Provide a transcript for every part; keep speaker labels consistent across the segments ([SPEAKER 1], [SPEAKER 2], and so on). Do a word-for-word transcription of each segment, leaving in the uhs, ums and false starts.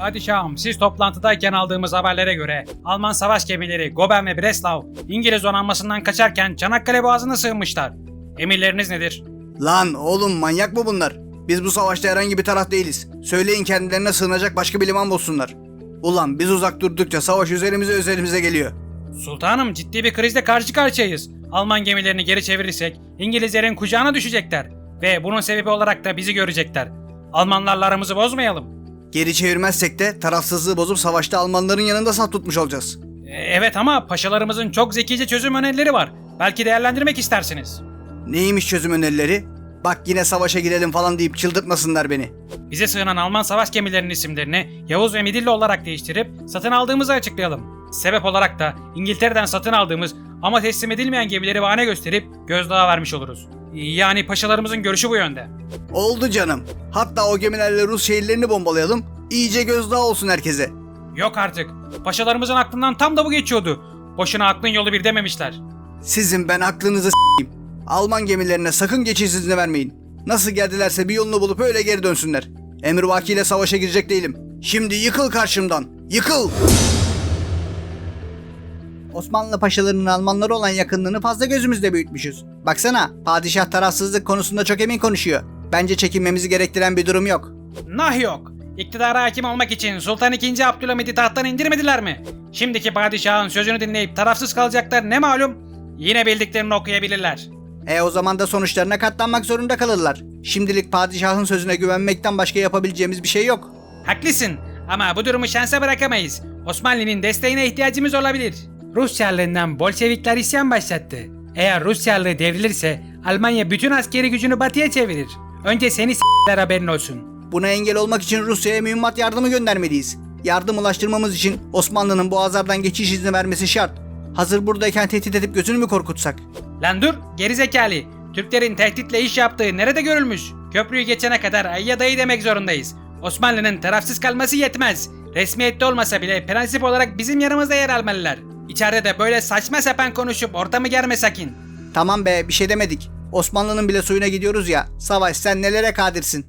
[SPEAKER 1] Padişahım, siz toplantıdayken aldığımız haberlere göre Alman savaş gemileri Goben ve Breslau İngiliz donanmasından kaçarken Çanakkale Boğazı'na sığınmışlar. Emirleriniz nedir?
[SPEAKER 2] Lan oğlum, manyak mı bunlar? Biz bu savaşta herhangi bir taraf değiliz. Söyleyin kendilerine sığınacak başka bir liman bulsunlar. Ulan biz uzak durdukça savaş üzerimize üzerimize geliyor.
[SPEAKER 1] Sultanım, ciddi bir krizle karşı karşıyayız. Alman gemilerini geri çevirirsek İngilizlerin kucağına düşecekler. Ve bunun sebebi olarak da bizi görecekler. Almanlarla aramızı bozmayalım.
[SPEAKER 2] Geri çevirmezsek de tarafsızlığı bozup savaşta Almanların yanında saf tutmuş olacağız.
[SPEAKER 1] E, evet ama paşalarımızın çok zekice çözüm önerileri var. Belki değerlendirmek istersiniz.
[SPEAKER 2] Neymiş çözüm önerileri? Bak yine savaşa girelim falan deyip çıldırtmasınlar beni.
[SPEAKER 1] Bize sığınan Alman savaş gemilerinin isimlerini Yavuz ve Midilli olarak değiştirip satın aldığımızı açıklayalım. Sebep olarak da İngiltere'den satın aldığımız ama teslim edilmeyen gemileri bahane gösterip gözdağı vermiş oluruz. Yani paşalarımızın görüşü bu yönde.
[SPEAKER 2] Oldu canım. Hatta o gemilerle Rus şehirlerini bombalayalım. İyice gözdağı olsun herkese.
[SPEAKER 1] Yok artık. Paşalarımızın aklından tam da bu geçiyordu. Boşuna aklın yolu bir dememişler.
[SPEAKER 2] Sizin ben aklınızı s**eyim. Alman gemilerine sakın geçiş izni vermeyin. Nasıl geldilerse bir yolunu bulup öyle geri dönsünler. Emrivakiyle savaşa girecek değilim. Şimdi yıkıl karşımdan. Yıkıl! Osmanlı paşalarının Almanlara olan yakınlığını fazla gözümüzde büyütmüşüz. Baksana, padişah tarafsızlık konusunda çok emin konuşuyor. Bence çekinmemizi gerektiren bir durum yok.
[SPEAKER 1] Nah yok. İktidara hakim olmak için Sultan ikinci. Abdülhamid'i tahttan indirmediler mi? Şimdiki padişahın sözünü dinleyip tarafsız kalacaklar ne malum? Yine bildiklerini okuyabilirler.
[SPEAKER 2] E o zaman da sonuçlarına katlanmak zorunda kalırlar. Şimdilik padişahın sözüne güvenmekten başka yapabileceğimiz bir şey yok.
[SPEAKER 1] Haklısın ama bu durumu şansa bırakamayız. Osmanlı'nın desteğine ihtiyacımız olabilir. Rus Çarlığından Bolşevikler isyan başlattı. Eğer Rus Çarlığı devrilirse Almanya bütün askeri gücünü batıya çevirir. Önce seni s**ler haberin olsun.
[SPEAKER 2] Buna engel olmak için Rusya'ya mühimmat yardımı göndermeliyiz. Yardım ulaştırmamız için Osmanlı'nın boğazlardan geçiş izni vermesi şart. Hazır buradayken tehdit edip gözünü mü korkutsak?
[SPEAKER 1] Lan dur gerizekalı. Türklerin tehditle iş yaptığı nerede görülmüş? Köprüyü geçene kadar ayya dayı demek zorundayız. Osmanlı'nın tarafsız kalması yetmez. Resmiyette olmasa bile prensip olarak bizim yanımızda yer almalılar. İçeride de böyle saçma sapan konuşup ortamı germe sakin.
[SPEAKER 2] Tamam be, bir şey demedik. Osmanlı'nın bile suyuna gidiyoruz ya. Savaş, sen nelere kadirsin?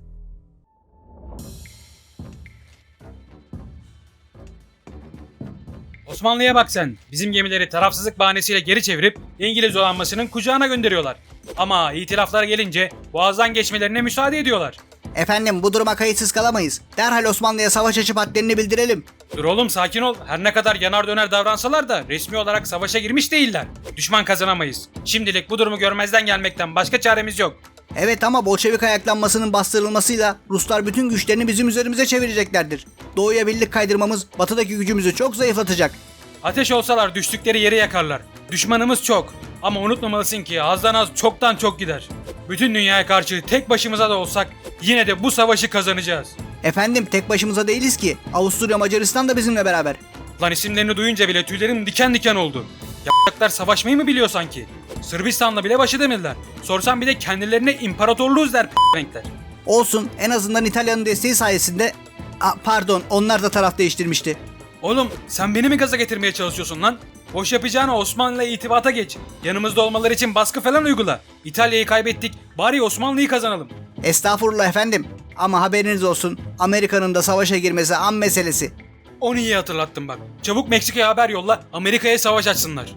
[SPEAKER 1] Osmanlı'ya bak sen. Bizim gemileri tarafsızlık bahanesiyle geri çevirip İngiliz donanmasının kucağına gönderiyorlar. Ama itilaflara gelince boğazdan geçmelerine müsaade ediyorlar.
[SPEAKER 2] Efendim, bu duruma kayıtsız kalamayız. Derhal Osmanlı'ya savaş açıp hadlerini bildirelim.
[SPEAKER 1] Dur oğlum sakin ol. Her ne kadar yanar döner davransalar da resmi olarak savaşa girmiş değiller. Düşman kazanamayız. Şimdilik bu durumu görmezden gelmekten başka çaremiz yok.
[SPEAKER 2] Evet ama Bolşevik ayaklanmasının bastırılmasıyla Ruslar bütün güçlerini bizim üzerimize çevireceklerdir. Doğuya birlik kaydırmamız batıdaki gücümüzü çok zayıflatacak.
[SPEAKER 1] Ateş olsalar düştükleri yeri yakarlar. Düşmanımız çok. Ama unutmamalısın ki azdan az çoktan çok gider. Bütün dünyaya karşı tek başımıza da olsak yine de bu savaşı kazanacağız.
[SPEAKER 2] Efendim, tek başımıza değiliz ki. Avusturya, Macaristan da bizimle beraber.
[SPEAKER 1] Lan isimlerini duyunca bile tüylerim diken diken oldu. Y***lar savaşmayı mı biliyor sanki? Sırbistan'la bile baş edemediler. Sorsam bir de kendilerine imparatorluğuz der p***renkler.
[SPEAKER 2] Olsun, en azından İtalya'nın desteği sayesinde... Aa, pardon, onlar da taraf değiştirmişti.
[SPEAKER 1] Oğlum sen beni mi gaza getirmeye çalışıyorsun lan? Boş yapacağına Osmanlı'yla itibata geç. Yanımızda olmaları için baskı falan uygula. İtalya'yı kaybettik, bari Osmanlı'yı kazanalım.
[SPEAKER 2] Estağfurullah efendim. Ama haberiniz olsun, Amerika'nın da savaşa girmesi an meselesi.
[SPEAKER 1] Onu iyi hatırlattın bak. Çabuk Meksika'ya haber yolla, Amerika'ya savaş açsınlar.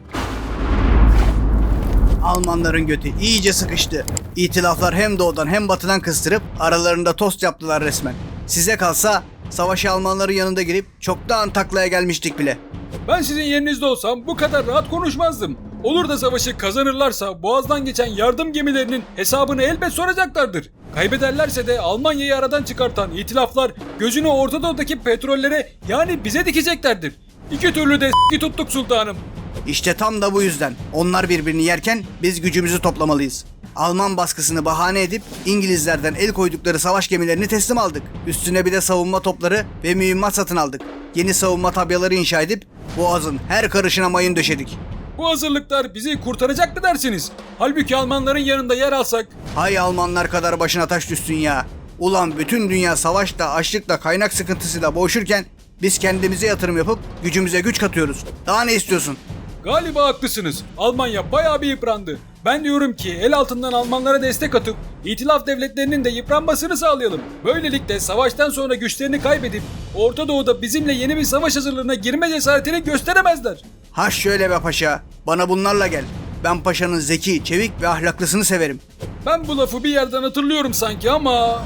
[SPEAKER 2] Almanların götü iyice sıkıştı. İtilaflar hem doğudan hem batıdan kıstırıp aralarında tost yaptılar resmen. Size kalsa savaşı Almanların yanında girip çoktan taklaya gelmiştik bile.
[SPEAKER 1] Ben sizin yerinizde olsam bu kadar rahat konuşmazdım. Olur da savaşı kazanırlarsa boğazdan geçen yardım gemilerinin hesabını elbet soracaklardır. Kaybederlerse de Almanya'yı aradan çıkartan itilaflar gözünü Orta Doğu'daki petrollere yani bize dikeceklerdir. İki türlü de s**ki tuttuk sultanım.
[SPEAKER 2] İşte tam da bu yüzden onlar birbirini yerken biz gücümüzü toplamalıyız. Alman baskısını bahane edip İngilizlerden el koydukları savaş gemilerini teslim aldık. Üstüne bir de savunma topları ve mühimmat satın aldık. Yeni savunma tabyaları inşa edip Boğaz'ın her karışına mayın döşedik.
[SPEAKER 1] Bu hazırlıklar bizi kurtaracak mı dersiniz? Halbuki Almanların yanında yer alsak...
[SPEAKER 2] Hay Almanlar kadar başına taş düşsün ya. Ulan bütün dünya savaşla, açlıkla, kaynak sıkıntısıyla boğuşurken biz kendimize yatırım yapıp gücümüze güç katıyoruz. Daha ne istiyorsun?
[SPEAKER 1] Galiba haklısınız. Almanya bayağı bir yıprandı. Ben diyorum ki el altından Almanlara destek atıp İtilaf devletlerinin de yıpranmasını sağlayalım. Böylelikle savaştan sonra güçlerini kaybedip Orta Doğu'da bizimle yeni bir savaş hazırlığına girme cesaretini gösteremezler.
[SPEAKER 2] Ha şöyle be paşa, bana bunlarla gel. Ben paşanın zeki, çevik ve ahlaklısını severim.
[SPEAKER 1] Ben bu lafı bir yerden hatırlıyorum sanki ama...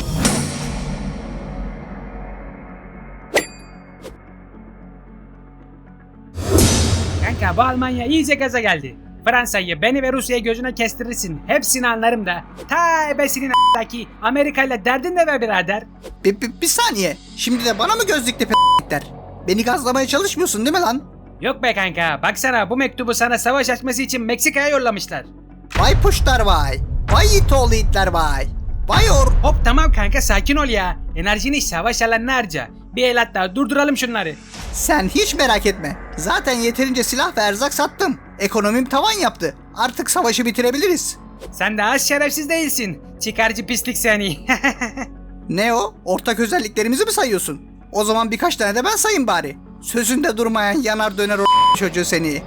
[SPEAKER 3] Kanka bu Almanya iyice gaza geldi. Fransa'yı, beni ve Rusya'yı gözüne kestirirsin. Hepsini anlarım da. Ta ebesinin a**daki Amerika ile derdin ne be birader?
[SPEAKER 2] Bir, bir, bir saniye, şimdi de bana mı gözlükle p***ler? Beni gazlamaya çalışmıyorsun değil mi lan?
[SPEAKER 3] Yok be kanka, baksana bu mektubu sana savaş açması için Meksika'ya yollamışlar.
[SPEAKER 2] Vay puşlar vay, vay it oğlu itler vay. Vay or...
[SPEAKER 3] Hop tamam kanka, sakin ol ya. Enerjini savaş alanına harca. Bir el hatta durduralım şunları.
[SPEAKER 2] Sen hiç merak etme. Zaten yeterince silah ve erzak sattım. Ekonomim tavan yaptı. Artık savaşı bitirebiliriz.
[SPEAKER 3] Sen de az şerefsiz değilsin. Çıkarcı pislik seni.
[SPEAKER 2] Ne o? Ortak özelliklerimizi mi sayıyorsun? O zaman birkaç tane de ben sayayım bari. Sözünde durmayan yanar döner o çocuğu seni.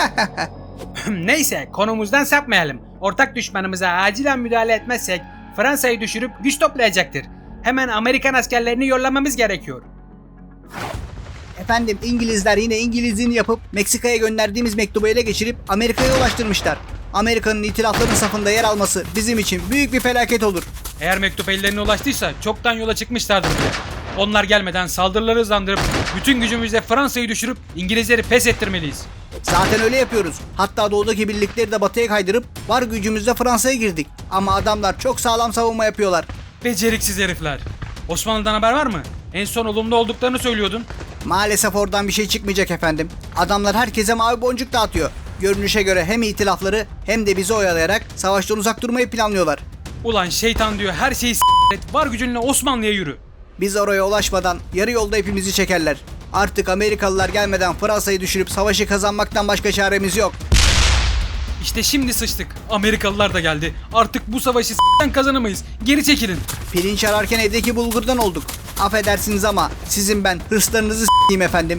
[SPEAKER 3] Neyse, konumuzdan sapmayalım. Ortak düşmanımıza acilen müdahale etmezsek Fransa'yı düşürüp güç toplayacaktır. Hemen Amerikan askerlerini yollamamız gerekiyor.
[SPEAKER 2] Efendim, İngilizler yine İngilizliğini yapıp Meksika'ya gönderdiğimiz mektubu ele geçirip Amerika'ya ulaştırmışlar. Amerika'nın itilafların safında yer alması bizim için büyük bir felaket olur.
[SPEAKER 3] Eğer mektup ellerine ulaştıysa çoktan yola çıkmışlardır bile. Onlar gelmeden saldırıları hızlandırıp bütün gücümüzle Fransa'yı düşürüp İngilizleri pes ettirmeliyiz.
[SPEAKER 2] Zaten öyle yapıyoruz. Hatta doğudaki birlikleri de batıya kaydırıp var gücümüzle Fransa'ya girdik. Ama adamlar çok sağlam savunma yapıyorlar.
[SPEAKER 3] Beceriksiz herifler. Osmanlı'dan haber var mı? En son olumlu olduklarını söylüyordun.
[SPEAKER 2] Maalesef oradan bir şey çıkmayacak efendim. Adamlar herkese mavi boncuk dağıtıyor. Görünüşe göre hem itilafları hem de bizi oyalayarak savaştan uzak durmayı planlıyorlar.
[SPEAKER 3] Ulan şeytan diyor, her şeyi s**t et, var gücünle Osmanlı'ya yürü.
[SPEAKER 2] Biz oraya ulaşmadan yarı yolda hepimizi çekerler. Artık Amerikalılar gelmeden Fransa'yı düşürüp savaşı kazanmaktan başka çaremiz yok.
[SPEAKER 3] İşte şimdi sıçtık. Amerikalılar da geldi. Artık bu savaşı s**ten kazanamayız. Geri çekilin.
[SPEAKER 2] Pirinç ararken evdeki bulgurdan olduk. Affedersiniz ama sizin ben hırslarınızı s**eyim efendim.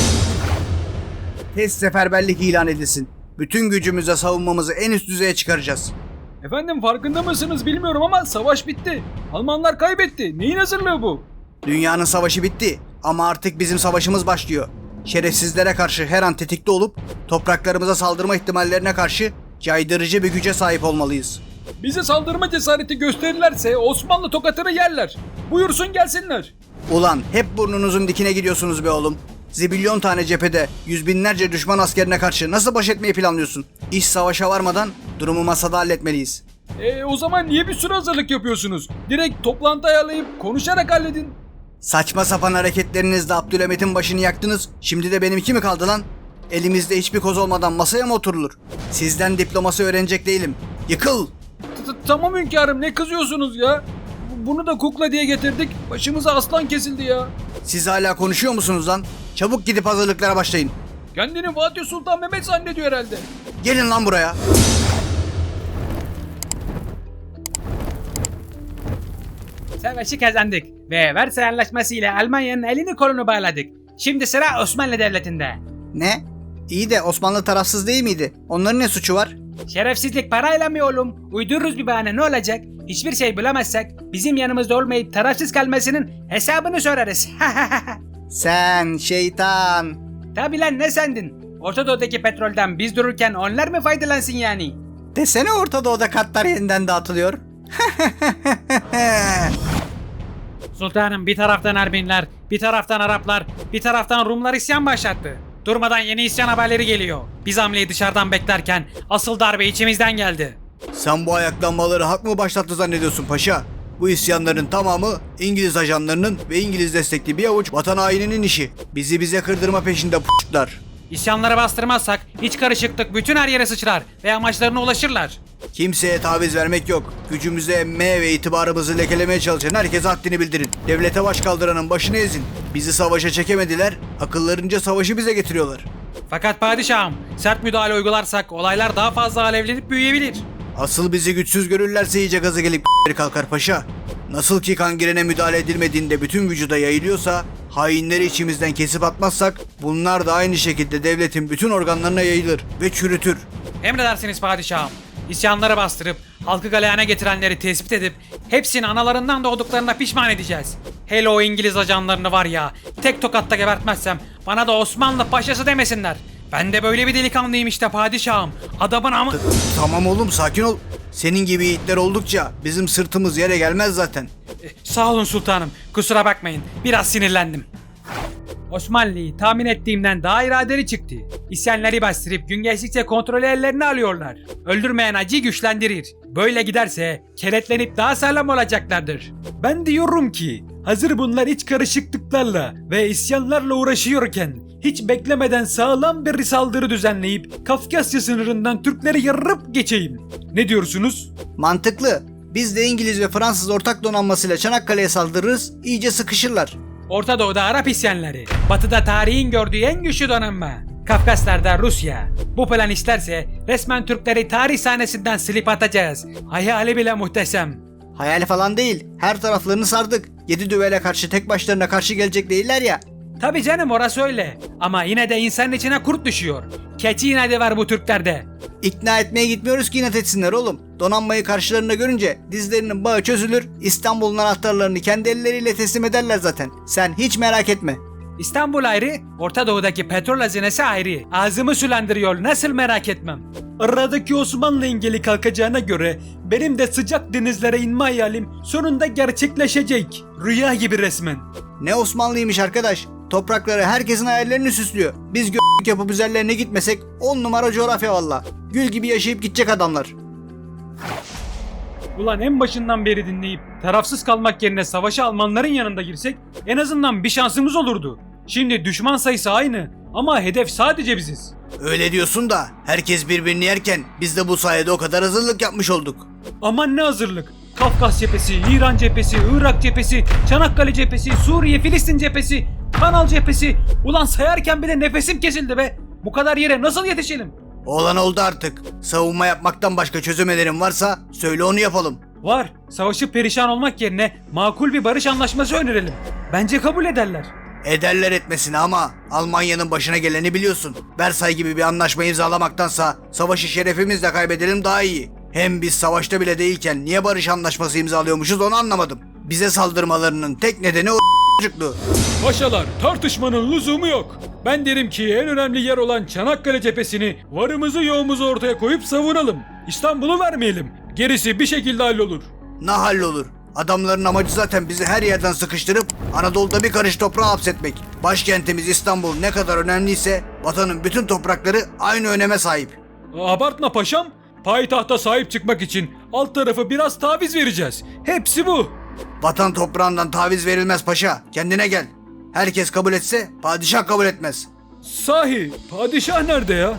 [SPEAKER 2] Test seferberlik ilan edilsin. Bütün gücümüzle savunmamızı en üst düzeye çıkaracağız.
[SPEAKER 1] Efendim farkında mısınız bilmiyorum ama savaş bitti. Almanlar kaybetti. Neyin hazırlığı bu?
[SPEAKER 2] Dünyanın savaşı bitti ama artık bizim savaşımız başlıyor. Şerefsizlere karşı her an tetikte olup topraklarımıza saldırma ihtimallerine karşı caydırıcı bir güce sahip olmalıyız.
[SPEAKER 1] Bize saldırma cesareti gösterirlerse Osmanlı tokatını yerler. Buyursun gelsinler.
[SPEAKER 2] Ulan hep burnunuzun dikine gidiyorsunuz be oğlum. Zibilyon tane cephede yüz binlerce düşman askerine karşı nasıl baş etmeyi planlıyorsun? İş savaşa varmadan durumu masada halletmeliyiz.
[SPEAKER 1] E o zaman niye bir sürü hazırlık yapıyorsunuz? Direkt toplantı ayarlayıp konuşarak halledin.
[SPEAKER 2] Saçma sapan hareketlerinizle Abdülhamit'in başını yaktınız. Şimdi de benimki mi kaldı lan? Elimizde hiçbir koz olmadan masaya mı oturulur? Sizden diplomasi öğrenecek değilim. Yıkıl!
[SPEAKER 1] Tamam hünkârım, ne kızıyorsunuz ya? Bunu da kukla diye getirdik. Başımıza aslan kesildi ya.
[SPEAKER 2] Siz hala konuşuyor musunuz lan? Çabuk gidip hazırlıklara başlayın.
[SPEAKER 1] Kendini Fatih Sultan Mehmet zannediyor herhalde.
[SPEAKER 2] Gelin lan buraya.
[SPEAKER 3] Savaşı kazandık ve Versay Anlaşması ile Almanya'nın elini kolunu bağladık. Şimdi sıra Osmanlı Devleti'nde.
[SPEAKER 2] Ne? İyi de Osmanlı tarafsız değil miydi? Onların ne suçu var?
[SPEAKER 3] Şerefsizlik parayla mı oğlum? Uydururuz bir bahane, ne olacak? Hiçbir şey bulamazsak bizim yanımızda olmayıp tarafsız kalmasının hesabını sorarız.
[SPEAKER 2] Sen şeytan.
[SPEAKER 3] Tabi lan, ne sandın? Orta Doğu'daki petrolden biz dururken onlar mı faydalansın yani?
[SPEAKER 2] Desene Orta Doğu'da katlar yeniden dağıtılıyor.
[SPEAKER 3] Sultanım, bir taraftan Ermeniler, bir taraftan Araplar, bir taraftan Rumlar isyan başlattı. Durmadan yeni isyan haberleri geliyor. Biz hamleyi dışarıdan beklerken asıl darbe içimizden geldi.
[SPEAKER 2] Sen bu ayaklanmaları hak mı başlattı zannediyorsun paşa? Bu isyanların tamamı İngiliz ajanlarının ve İngiliz destekli bir avuç vatan haininin işi. Bizi bize kırdırma peşinde p***lar.
[SPEAKER 3] İsyanları bastırmazsak iç karışıklık bütün her yere sıçrar ve amaçlarına ulaşırlar.
[SPEAKER 2] Kimseye taviz vermek yok. Gücümüzü emmeye ve itibarımızı lekelemeye çalışan herkese haddini bildirin. Devlete baş kaldıranın başını ezin. Bizi savaşa çekemediler, akıllarınca savaşı bize getiriyorlar.
[SPEAKER 3] Fakat padişahım, sert müdahale uygularsak olaylar daha fazla alevlenip büyüyebilir.
[SPEAKER 2] Asıl bizi güçsüz görürlerse iyice gazı gelip kalkar paşa. Nasıl ki kangirene müdahale edilmediğinde bütün vücuda yayılıyorsa, hainleri içimizden kesip atmazsak bunlar da aynı şekilde devletin bütün organlarına yayılır ve çürütür.
[SPEAKER 3] Emredersiniz padişahım. İsyanları bastırıp halkı galeyana getirenleri tespit edip hepsini analarından doğduklarına pişman edeceğiz. Hele o İngiliz ajanlarını var ya, tek tokatta gebertmezsem bana da Osmanlı paşası demesinler. Ben de böyle bir delikanlıyım işte padişahım. Adamın amı...
[SPEAKER 2] Tamam oğlum, sakin ol. Senin gibi yiğitler oldukça bizim sırtımız yere gelmez zaten.
[SPEAKER 3] Sağ olun sultanım. Kusura bakmayın. Biraz sinirlendim. Osmanlı'yı tahmin ettiğimden daha iradeli çıktı. İsyanları bastırıp gün geçtikçe kontrolü ellerine alıyorlar. Öldürmeyen acıyı güçlendirir. Böyle giderse keletlenip daha sağlam olacaklardır. Ben diyorum ki hazır bunlar iç karışıklıklarla ve isyanlarla uğraşıyorken hiç beklemeden sağlam bir saldırı düzenleyip Kafkasya sınırından Türkleri yarıp geçeyim. Ne diyorsunuz?
[SPEAKER 2] Mantıklı. Biz de İngiliz ve Fransız ortak donanmasıyla Çanakkale'ye saldırırız, iyice sıkışırlar.
[SPEAKER 3] Orta Doğu'da Arap isyanları, Batı'da tarihin gördüğü en güçlü donanma. Kafkaslar'da Rusya. Bu plan isterse resmen Türkleri tarih sahnesinden silip atacağız. Hayali bile muhteşem.
[SPEAKER 2] Hayal falan değil. Her taraflarını sardık. Yedi düvele karşı tek başlarına karşı gelecek değiller ya.
[SPEAKER 3] Tabi canım, orası öyle. Ama yine de insanın içine kurt düşüyor. Keçi inadı var bu Türklerde.
[SPEAKER 2] İkna etmeye gitmiyoruz ki inat etsinler oğlum. Donanmayı karşılarında görünce dizlerinin bağı çözülür, İstanbul'un anahtarlarını kendi elleriyle teslim ederler zaten. Sen hiç merak etme.
[SPEAKER 3] İstanbul ayrı, Orta Doğu'daki petrol hazinesi ayrı. Ağzımı sulandırıyor, nasıl merak etmem. Aradaki Osmanlı engeli kalkacağına göre benim de sıcak denizlere inme hayalim sonunda gerçekleşecek. Rüya gibi resmen.
[SPEAKER 2] Ne Osmanlıymış arkadaş. Toprakları herkesin hayallerini süslüyor. Biz gö**lük yapıp üzerlerine gitmesek on numara coğrafya valla. Gül gibi yaşayıp gidecek adamlar.
[SPEAKER 3] Ulan en başından beri dinleyip tarafsız kalmak yerine savaşa Almanların yanında girsek en azından bir şansımız olurdu. Şimdi düşman sayısı aynı ama hedef sadece biziz.
[SPEAKER 2] Öyle diyorsun da herkes birbirini yerken biz de bu sayede o kadar hazırlık yapmış olduk.
[SPEAKER 3] Aman ne hazırlık. Kafkas cephesi, İran cephesi, Irak cephesi, Çanakkale cephesi, Suriye, Filistin cephesi, Kanal cephesi. Ulan sayarken bile nefesim kesildi be. Bu kadar yere nasıl yetişelim?
[SPEAKER 2] Olan oldu artık. Savunma yapmaktan başka çözümlerin varsa söyle, onu yapalım.
[SPEAKER 3] Var. Savaşıp perişan olmak yerine makul bir barış anlaşması önerelim. Bence kabul ederler.
[SPEAKER 2] Ederler etmesine ama Almanya'nın başına geleni biliyorsun. Versay gibi bir anlaşma imzalamaktansa savaşı şerefimizle kaybedelim daha iyi. Hem biz savaşta bile değilken niye barış anlaşması imzalıyormuşuz onu anlamadım. Bize saldırmalarının tek nedeni o çocukluğu.
[SPEAKER 1] Paşalar, tartışmanın lüzumu yok. Ben derim ki en önemli yer olan Çanakkale cephesini varımızı yoğumuzu ortaya koyup savunalım. İstanbul'u vermeyelim. Gerisi bir şekilde hallolur.
[SPEAKER 2] Ne hallolur? Adamların amacı zaten bizi her yerden sıkıştırıp Anadolu'da bir karış toprağa hapsetmek. Başkentimiz İstanbul ne kadar önemliyse vatanın bütün toprakları aynı öneme sahip.
[SPEAKER 1] Abartma paşam. Payitahta sahip çıkmak için alt tarafı biraz taviz vereceğiz. Hepsi bu.
[SPEAKER 2] Vatan toprağından taviz verilmez paşa. Kendine gel. Herkes kabul etse padişah kabul etmez.
[SPEAKER 1] Sahi padişah nerede ya?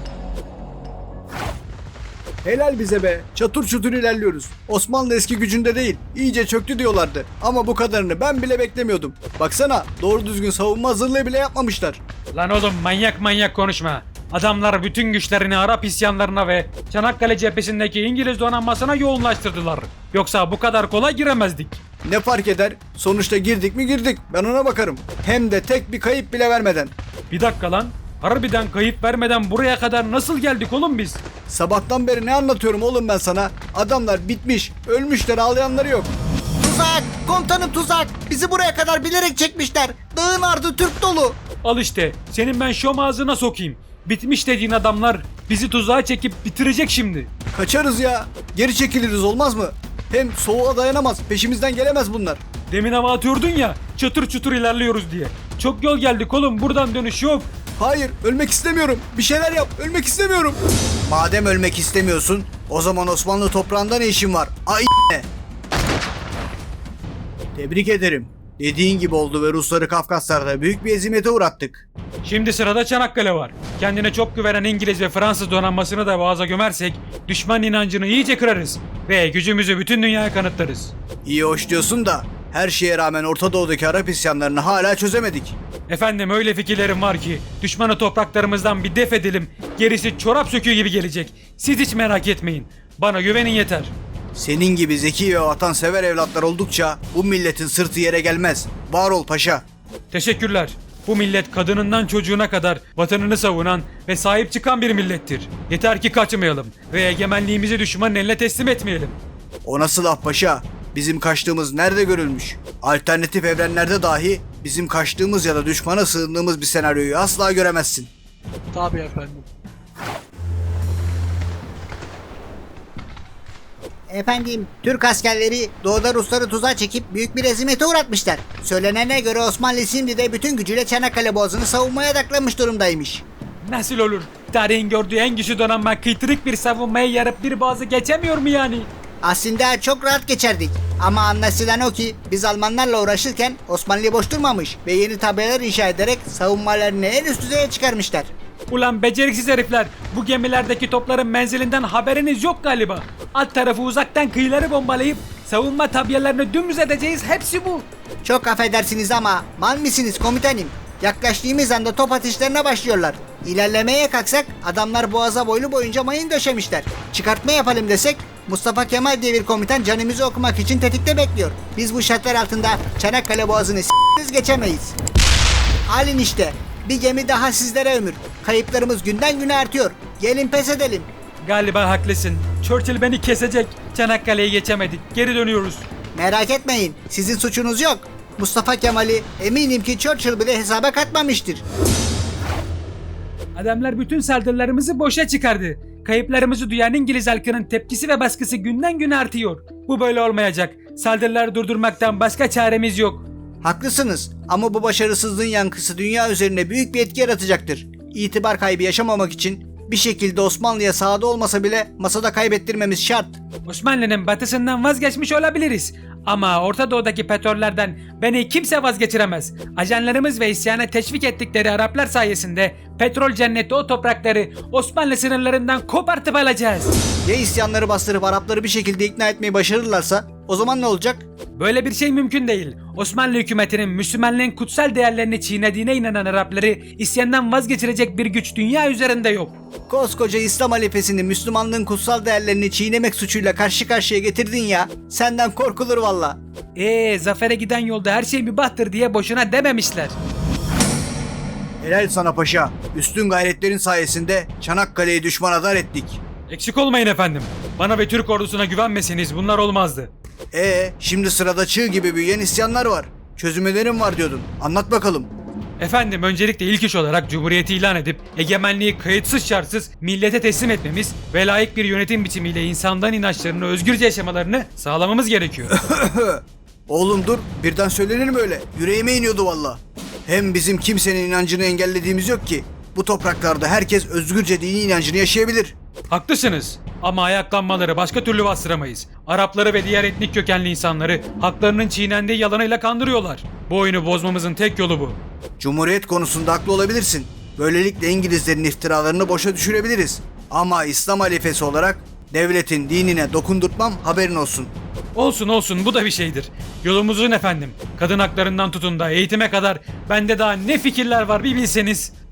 [SPEAKER 2] Helal bize be. Çatır çutur ilerliyoruz. Osmanlı eski gücünde değil. İyice çöktü diyorlardı. Ama bu kadarını ben bile beklemiyordum. Baksana, doğru düzgün savunma hazırlığı bile yapmamışlar.
[SPEAKER 3] Lan oğlum manyak manyak konuşma. Adamlar bütün güçlerini Arap isyanlarına ve Çanakkale cephesindeki İngiliz donanmasına yoğunlaştırdılar. Yoksa bu kadar kolay giremezdik.
[SPEAKER 2] Ne fark eder? Sonuçta girdik mi girdik. Ben ona bakarım. Hem de tek bir kayıp bile vermeden.
[SPEAKER 3] Bir dakika lan. Harbiden kayıp vermeden buraya kadar nasıl geldik oğlum biz?
[SPEAKER 2] Sabahtan beri ne anlatıyorum oğlum ben sana? Adamlar bitmiş. Ölmüşler, ağlayanları yok. Tuzak! Komutanım tuzak! Bizi buraya kadar bilerek çekmişler. Dağın ardı Türk dolu.
[SPEAKER 3] Al işte. Senin ben şom ağzına sokayım. Bitmiş dediğin adamlar bizi tuzağa çekip bitirecek şimdi.
[SPEAKER 2] Kaçarız ya. Geri çekiliriz, olmaz mı? Hem soğuğa dayanamaz. Peşimizden gelemez bunlar.
[SPEAKER 3] Demin hava atıyordun ya, çatır çutur ilerliyoruz diye. Çok yol geldik oğlum, buradan dönüş yok.
[SPEAKER 2] Hayır, ölmek istemiyorum. Bir şeyler yap. Ölmek istemiyorum. Madem ölmek istemiyorsun, o zaman Osmanlı toprağında ne işin var? Ay ne? Tebrik ederim. Dediğin gibi oldu ve Rusları Kafkaslar'da büyük bir ezimete uğrattık.
[SPEAKER 3] Şimdi sırada Çanakkale var. Kendine çok güvenen İngiliz ve Fransız donanmasını da boğaza gömersek düşman inancını iyice kırarız ve gücümüzü bütün dünyaya kanıtlarız.
[SPEAKER 2] İyi hoş diyorsun da her şeye rağmen Orta Doğu'daki Arap isyanlarını hala çözemedik.
[SPEAKER 3] Efendim öyle fikirlerim var ki düşmanı topraklarımızdan bir def edelim, gerisi çorap söküğü gibi gelecek. Siz hiç merak etmeyin. Bana güvenin yeter.
[SPEAKER 2] Senin gibi zeki ve vatansever evlatlar oldukça bu milletin sırtı yere gelmez. Var ol paşa.
[SPEAKER 3] Teşekkürler.
[SPEAKER 1] Bu millet kadınından çocuğuna kadar vatanını savunan ve sahip çıkan bir millettir. Yeter ki kaçmayalım ve egemenliğimizi düşmanın eline teslim etmeyelim.
[SPEAKER 2] O nasıl laf paşa? Bizim kaçtığımız nerede görülmüş? Alternatif evrenlerde dahi bizim kaçtığımız ya da düşmana sığındığımız bir senaryoyu asla göremezsin.
[SPEAKER 4] Tabii efendim.
[SPEAKER 5] Efendim, Türk askerleri doğuda Rusları tuzağa çekip büyük bir ezimete uğratmışlar. Söylenene göre Osmanlı şimdi de bütün gücüyle Çanakkale Boğazı'nı savunmaya odaklanmış durumdaymış.
[SPEAKER 3] Nasıl olur? Tarihin gördüğü en güçlü donanma kıytırık bir savunmaya yarıp bir boğazı geçemiyor mu yani?
[SPEAKER 5] Aslında çok rahat geçerdik. Ama anlaşılan o ki biz Almanlarla uğraşırken Osmanlı boş durmamış ve yeni tabelalar inşa ederek savunmalarını en üst düzeye çıkarmışlar.
[SPEAKER 3] Ulan beceriksiz herifler, bu gemilerdeki topların menzilinden haberiniz yok galiba. Alt tarafı uzaktan kıyıları bombalayıp savunma tabiyelerini dümdüz edeceğiz, hepsi bu.
[SPEAKER 5] Çok affedersiniz ama mal mısınız komutanım? Yaklaştığımız anda top atışlarına başlıyorlar. İlerlemeye kalksak adamlar boğaza boylu boyunca mayın döşemişler. Çıkartma yapalım desek Mustafa Kemal diye bir komutan canımızı okumak için tetikte bekliyor. Biz bu şartlar altında Çanakkale Boğazı'nı s***riz geçemeyiz. Alin işte. Bir gemi daha sizlere ömür. Kayıplarımız günden güne artıyor. Gelin pes edelim.
[SPEAKER 3] Galiba haklısın. Churchill beni kesecek. Çanakkale'yi geçemedik. Geri dönüyoruz.
[SPEAKER 5] Merak etmeyin. Sizin suçunuz yok. Mustafa Kemal'i eminim ki Churchill bile hesaba katmamıştır.
[SPEAKER 3] Adamlar bütün saldırılarımızı boşa çıkardı. Kayıplarımızı duyan İngiliz halkının tepkisi ve baskısı günden güne artıyor. Bu böyle olmayacak. Saldırıları durdurmaktan başka çaremiz yok.
[SPEAKER 2] Haklısınız ama bu başarısızlığın yankısı dünya üzerine büyük bir etki yaratacaktır. İtibar kaybı yaşamamak için bir şekilde Osmanlı'ya sahada olmasa bile masada kaybettirmemiz şart.
[SPEAKER 3] Osmanlı'nın batısından vazgeçmiş olabiliriz. Ama Orta Doğu'daki petrollerden beni kimse vazgeçiremez. Ajanlarımız ve isyana teşvik ettikleri Araplar sayesinde petrol cenneti o toprakları Osmanlı sınırlarından kopartıp alacağız.
[SPEAKER 2] Ya isyanları bastırıp Arapları bir şekilde ikna etmeyi başarırlarsa o zaman ne olacak?
[SPEAKER 3] Böyle bir şey mümkün değil. Osmanlı hükümetinin Müslümanlığın kutsal değerlerini çiğnediğine inanan Arapları isyandan vazgeçirecek bir güç dünya üzerinde yok.
[SPEAKER 2] Koskoca İslam halifesini Müslümanlığın kutsal değerlerini çiğnemek suçuyla karşı karşıya getirdin ya. Senden korkulur valla.
[SPEAKER 3] Eee zafere giden yolda her şey mübahtır diye boşuna dememişler.
[SPEAKER 2] Helal sana paşa. Üstün gayretlerin sayesinde Çanakkale'yi düşmana dar ettik.
[SPEAKER 1] Eksik olmayın efendim. Bana ve Türk ordusuna güvenmeseniz bunlar olmazdı.
[SPEAKER 2] Ee, şimdi sırada çığ gibi büyüyen isyanlar var. Çözüm önerim var diyordun. Anlat bakalım.
[SPEAKER 1] Efendim öncelikle ilk iş olarak Cumhuriyeti ilan edip egemenliği kayıtsız şartsız millete teslim etmemiz ve layık bir yönetim biçimiyle insanların inançlarını özgürce yaşamalarını sağlamamız gerekiyor.
[SPEAKER 2] Oğlum dur, birden söylenir mi öyle? Yüreğime iniyordu valla. Hem bizim kimsenin inancını engellediğimiz yok ki. Bu topraklarda herkes özgürce dini inancını yaşayabilir.
[SPEAKER 1] Haklısınız ama ayaklanmaları başka türlü bastıramayız. Arapları ve diğer etnik kökenli insanları haklarının çiğnendiği yalanıyla kandırıyorlar. Bu oyunu bozmamızın tek yolu bu.
[SPEAKER 2] Cumhuriyet konusunda haklı olabilirsin. Böylelikle İngilizlerin iftiralarını boşa düşürebiliriz. Ama İslam halifesi olarak devletin dinine dokundurtmam, haberin olsun.
[SPEAKER 1] Olsun olsun, bu da bir şeydir. Yolumuzun efendim. Kadın haklarından tutun da eğitime kadar bende daha ne fikirler var bir bilseniz.